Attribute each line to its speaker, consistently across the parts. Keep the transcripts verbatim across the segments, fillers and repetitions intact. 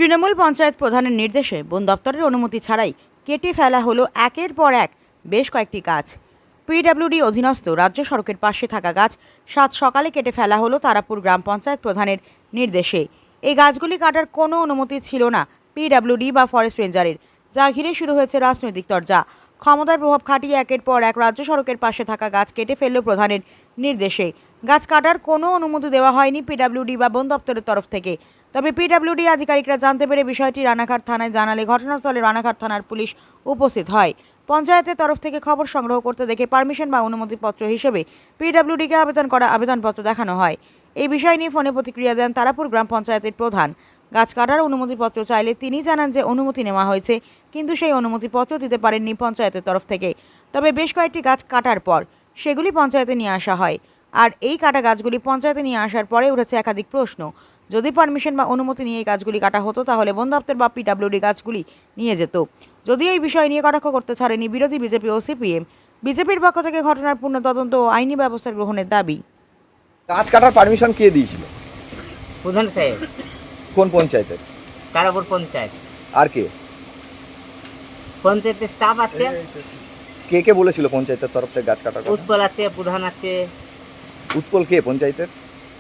Speaker 1: তৃণমূল পঞ্চায়েত প্রধানের নির্দেশে বন দপ্তরের অনুমতি ছাড়াই কেটে ফেলা হলো একের পর এক বেশ কয়েকটি গাছ। পিডব্লিউডি অধীনস্থ রাজ্য সড়কের পাশে থাকা গাছ সাত সকালে কেটে ফেলা হলো তারাপুর গ্রাম পঞ্চায়েত প্রধানের নির্দেশে। এই গাছগুলি কাটার কোনো অনুমতি ছিল না পিডব্লিউডি বা ফরেস্ট রেঞ্জারের, যা ঘিরে শুরু হয়েছে রাজনৈতিক চর্চা। ক্ষমতার প্রভাব খাটিয়ে একের পর এক রাজ্য সড়কের পাশে থাকা গাছ কেটে ফেলল প্রধানের নির্দেশে। গাছ কাটার কোনো অনুমতি দেওয়া হয়নি পিডব্লিউডি বা বন দপ্তরের তরফ থেকে। তবে পিডব্লিউডি আধিকারিকরা জানতে পেরে বিষয়টি রানাঘাট থানায় জানালে ঘটনাস্থলে রানাঘাট থানার পুলিশ উপস্থিত হয়। পঞ্চায়েতের তরফ থেকে খবর সংগ্রহ করতে দেখে পারমিশন বা অনুমতিপত্র হিসেবে পিডব্লিউডিকে আবেদন করা আবেদনপত্র দেখানো হয়। এই বিষয় নিয়ে ফোনে প্রতিক্রিয়া দেন তারাপুর গ্রাম পঞ্চায়েতের প্রধান। গাছ কাটার অনুমতিপত্র চাইলে তিনি জানান যে অনুমতি নেওয়া হয়েছে, কিন্তু সেই অনুমতিপত্র দিতে পারেননি পঞ্চায়েতের তরফ থেকে। তবে বেশ কয়েকটি গাছ কাটার পর সেগুলি পঞ্চায়েতে নিয়ে আসা হয়। আর এই কাটা গাছগুলি পঞ্চায়েতে নিয়ে আসার পরে উঠেছে একাধিক প্রশ্ন। যদি পারমিশন বা অনুমতি নিয়ে এই গাছগুলি কাটা হতো তাহলে বন দপ্তর বা পিডব্লিউডি গাছগুলি নিয়ে যেত। যদিও এই বিষয় নিয়ে কটাক্ষ করতে ছাড়েনি বিরোধী বিজেপি ও সিপিএম। বিজেপির পক্ষ থেকে ঘটনার পূর্ণ তদন্ত ও আইনি ব্যবস্থা গ্রহণের দাবি।
Speaker 2: গাছ কাটার পারমিশন কে দিয়েছিল?
Speaker 3: প্রধান সাহেব।
Speaker 2: কোন পঞ্চায়েতের?
Speaker 3: তারাপুর পঞ্চায়েত।
Speaker 2: আর কে?
Speaker 3: পঞ্চায়েতের স্টাফ আছে।
Speaker 2: কে কে বলেছিল পঞ্চায়েতের তরফ থেকে গাছ কাটার কথা?
Speaker 3: উৎপল আছে, প্রধান আছে।
Speaker 2: উৎপল কে পঞ্চায়েতের?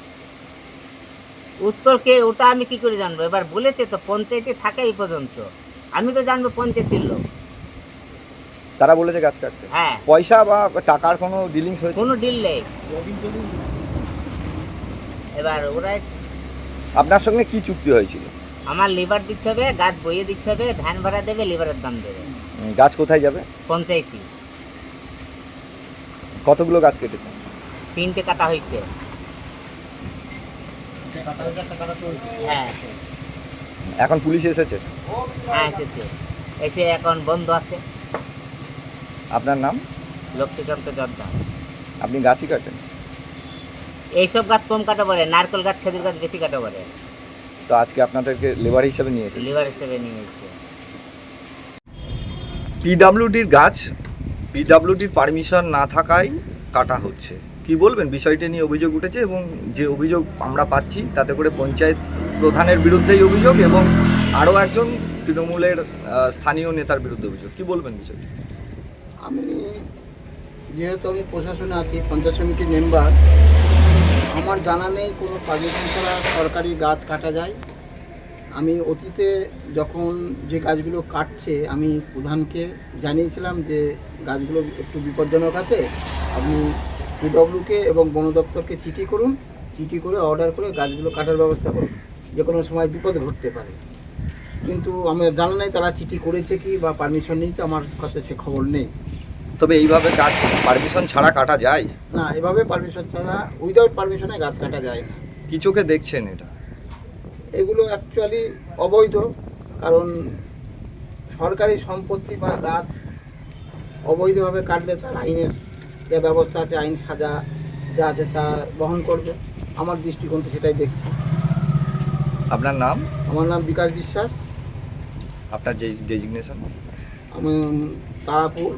Speaker 3: উৎপলকে ওটা আমি কি করে জানবো? এবার বলেছে তো পঞ্চায়েতে থাকে এই পর্যন্ত, আমি তো জানবো পঞ্চায়েতের লোক।
Speaker 2: তারা বলেছে গাছ কাটতে?
Speaker 3: হ্যাঁ।
Speaker 2: পয়সা বা টাকার কোনো ডিলিংস হয়েছে?
Speaker 3: কোনো ডিল নেই। এবার ওরা
Speaker 2: আপনার সঙ্গে কি চুক্তি হয়েছিল?
Speaker 3: আমার লিভার দিতে হবে, গাছ বইয়ে দিতে হবে, ভ্যান ভাড়া দেবে, লিভারের দাম দেবে।
Speaker 2: গাছ কোথায় যাবে?
Speaker 3: পঞ্চায়েতে।
Speaker 2: কতগুলো গাছ কেটেছে?
Speaker 3: তিনটে কাটা হয়েছে। হ্যাঁ
Speaker 2: এখন পুলিশ এসেছে?
Speaker 3: হ্যাঁ এসেছে, এসে এখন বন্ধ আছে।
Speaker 2: আপনার নাম?
Speaker 3: লক্ষ্মীকান্ত জর্দার।
Speaker 2: আপনি গাছই কাটেন?
Speaker 3: এইসব গাছ কম কাটা পড়ে, নারকেল গাছ, খেজুর গাছ বেশি কাটা পড়ে।
Speaker 2: তো আজকে আপনাদেরকে লেবার হিসেবে নিয়ে এসেছে?
Speaker 3: লিভার হিসেবে নিয়ে এসেছে।
Speaker 2: পিডব্লিউডির গাছ পিডব্লিউডির পারমিশন না থাকায় কাটা হচ্ছে, কি বলবেন? বিষয়টি নিয়ে অভিযোগ উঠেছে এবং যে অভিযোগ আমরা পাচ্ছি তাতে করে পঞ্চায়েত প্রধানের বিরুদ্ধেই অভিযোগ এবং আরও একজন তৃণমূলের স্থানীয় নেতার বিরুদ্ধে অভিযোগ, কি বলবেন বিষয়টি?
Speaker 4: আমি যেহেতু আমি প্রশাসনে আছি, পঞ্চায়েত সমিতির মেম্বার, আমার জানা নেই কোনো পারমিশন ছাড়া সরকারি গাছ কাটা যায়। আমি অতীতে যখন যে গাছগুলো কাটছে আমি প্রধানকে জানিয়েছিলাম যে গাছগুলো একটু বিপজ্জনক আছে, আপনি পিডব্লিউকে এবং বন দপ্তরকে চিঠি করুন, চিঠি করে অর্ডার করে গাছগুলো কাটার ব্যবস্থা করুন, যে কোনো সময় বিপদ ঘটতে পারে। কিন্তু আমি জানা নেই তারা চিঠি করেছে কি বা পারমিশন নিয়েছে, আমার কাছে সে খবর নেই।
Speaker 2: তবে এইভাবে গাছ পারমিশন ছাড়া কাটা যায়
Speaker 4: না, এভাবে পারমিশন ছাড়া উইদাউট পারমিশনে গাছ কাটা যায় না।
Speaker 2: কি চোখে দেখছেন এটা?
Speaker 4: এগুলো অ্যাকচুয়ালি অবৈধ, কারণ সরকারি সম্পত্তি বা গাছ অবৈধভাবে কাটলে তার আইনের যে ব্যবস্থা আছে, আইন সাজা যা আছে তা বহন করবে। আমার দৃষ্টিকোণ থেকে সেটাই দেখছি।
Speaker 2: আপনার নাম?
Speaker 4: আমার নাম বিকাশ বিশ্বাস।
Speaker 2: আপনার যে ডেজিগনেশন?
Speaker 4: আমি তারাপুর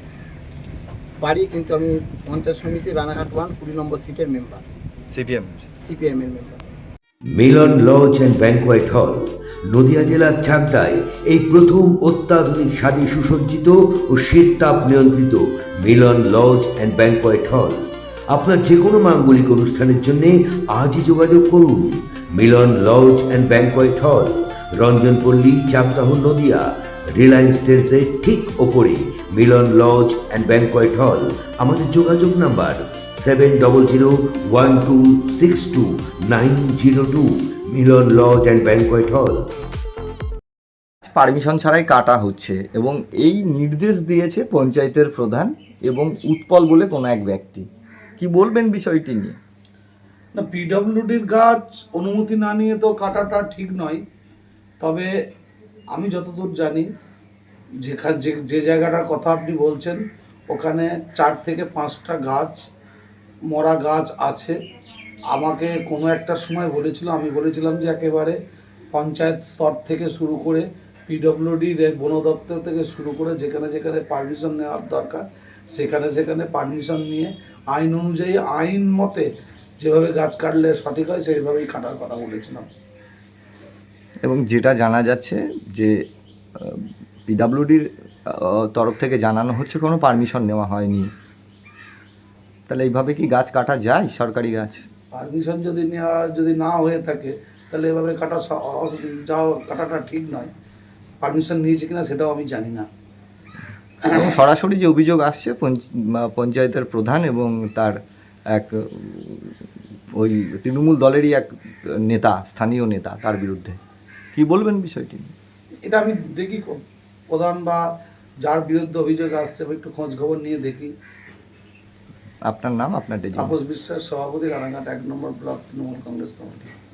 Speaker 4: বাড়ি, কিন্তু আমি পঞ্চায়েত সমিতি রানাঘাট ওয়ান কুড়ি নম্বর সিটের মেম্বার,
Speaker 2: সিপিএম
Speaker 4: সিপিএমের member.
Speaker 5: Milan lodge and banquet hall Nadia জেলার চাকদায় এই প্রথম অত্যাধুনিক স্বাদে সুসজ্জিত ও শীত তাপ নিয়ন্ত্রিত মিলন লজ অ্যান্ড ব্যাংকোয়েট হল। আপনার যে কোনো মাঙ্গলিক অনুষ্ঠানের জন্য আজই যোগাযোগ করুন। মিলন লজ অ্যান্ড ব্যাংকোয়েট হল, রঞ্জনপল্লী, চাকদাহ, নদিয়া। রিলায়েন্স ট্রেন্ডসের ঠিক ওপরে মিলন লজ অ্যান্ড ব্যাংকোয়েট হল। আমাদের যোগাযোগ number seven double zero one two six two nine zero two. Milan lodge and banquet hall.
Speaker 2: Permission ছাড়াই কাটা হচ্ছে এবং এই নির্দেশ দিয়েছে পঞ্চায়েতের প্রধান এবং উৎপল বলে কোনো এক ব্যক্তি, কি বলবেন বিষয়টি নিয়ে?
Speaker 6: না, পিডব্লিউডির গাছ অনুমতি না নিয়ে তো কাটাটা ঠিক নয়। তবে আমি যতদূর জানি, যেখানে যে যে জায়গাটার কথা আপনি বলছেন ওখানে চার থেকে পাঁচটা গাছ, মরা গাছ আছে। আমাকে কোনো একটা সময় বলেছিল, আমি বলেছিলাম যে একেবারে পঞ্চায়েত স্তর থেকে শুরু করে পিডব্লিউডির বন দপ্তর থেকে শুরু করে যেখানে যেখানে পারমিশন নেওয়ার দরকার সেখানে সেখানে পারমিশন নিয়ে আইন অনুযায়ী আইন মতে যেভাবে গাছ কাটলে সঠিক হয় সেইভাবেই কাটার কথা বলেছিলাম।
Speaker 2: এবং যেটা জানা যাচ্ছে যে পিডাব্লিউডির তরফ থেকে জানানো হচ্ছে কোনো পারমিশন নেওয়া হয়নি। তাহলে এইভাবে কি গাছ কাটা যায়, সরকারি গাছ?
Speaker 6: পারমিশন যদি নেওয়া যদি না হয়ে থাকে তাহলে এভাবে কাটা স- অস- যাওয়া কাটাটা ঠিক নয়। পারমিশন নিয়েছে কিনা সেটাও আমি জানি না।
Speaker 2: এবং সরাসরি যে অভিযোগ আসছে পঞ্চ- বা পঞ্চায়েতের প্রধান এবং তার এক উম, ওই তৃণমূল দলেরই এক নেতা, স্থানীয় নেতা, তার বিরুদ্ধে কি বলবেন বিষয়টি?
Speaker 6: এটা আমি দেখি ক- প্রধান বা যার বিরুদ্ধে অভিযোগ আসছে আমি একটু খোঁজ খবর নিয়ে দেখি।
Speaker 2: আপনার নাম, আপনার ডেজিগনেশন?
Speaker 6: তাপস বিশ্বাস, সভাপতি, রানাঘাট এক number block Trinamool Congress committee.